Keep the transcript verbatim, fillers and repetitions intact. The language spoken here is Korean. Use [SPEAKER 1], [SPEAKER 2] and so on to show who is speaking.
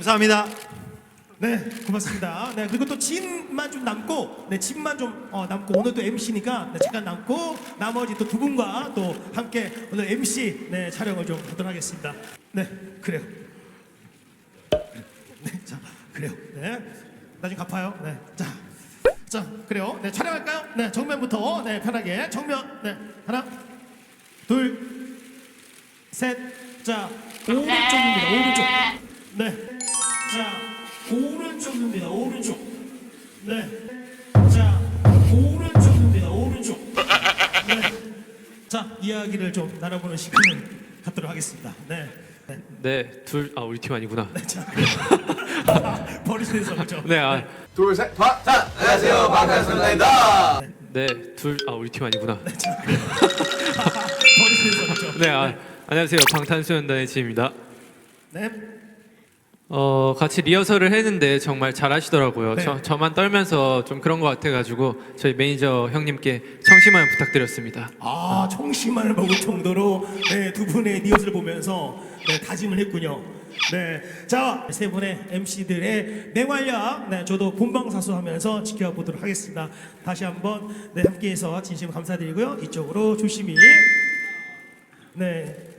[SPEAKER 1] 감사합니다. 네, 고맙습니다. 네, 그리고 또 진만 좀 남고, 네, 진만 좀 어, 남고 오늘 또 엠씨니까 네, 잠깐 남고 나머지 또 두 분과 또 함께 오늘 엠씨 네, 촬영을 좀 하도록 하겠습니다. 네, 그래요. 네, 자, 그래요. 네, 나중에 갚아요. 네, 자, 자, 그래요. 네, 촬영할까요? 네, 정면부터 네, 편하게 정면. 네, 하나, 둘, 셋, 자, 오른쪽입니다. 오른쪽. 네, 자. 오른쪽입니다. 오른쪽. 네. 자, 오른쪽입니다. 오른쪽. 네. 자, 이야기를 좀 나눠보는 시간을 갖도록 하겠습니다. 네. 네.
[SPEAKER 2] 네, 둘, 아 우리 팀 아니구나.
[SPEAKER 1] 네, 자, 버리시면서 그죠?
[SPEAKER 2] 네, 아,
[SPEAKER 3] 둘, 셋, 다. 자, 안녕하세요. 방탄소년단입니다.
[SPEAKER 2] 네, 둘, 아 우리 팀 아니구나.
[SPEAKER 1] 네, 자, 버리시면서 그죠?
[SPEAKER 2] 네, 아, 안녕하세요. 방탄소년단의 지입니다.
[SPEAKER 1] 네.
[SPEAKER 2] 어, 같이 리허설을 했는데 정말 잘하시더라고요.
[SPEAKER 1] 네.
[SPEAKER 2] 저, 저만 떨면서 좀 그런 것 같아가지고 저희 매니저 형님께 청심환 부탁드렸습니다.
[SPEAKER 1] 아, 청심환을 먹을 정도로 네, 두 분의 리허설을 보면서 네, 다짐을 했군요. 네, 자, 세 분의 엠씨들의 맹활약, 네, 저도 본방사수하면서 지켜보도록 하겠습니다. 다시 한번 네, 함께해서 진심 감사드리고요. 이쪽으로 조심히. 네.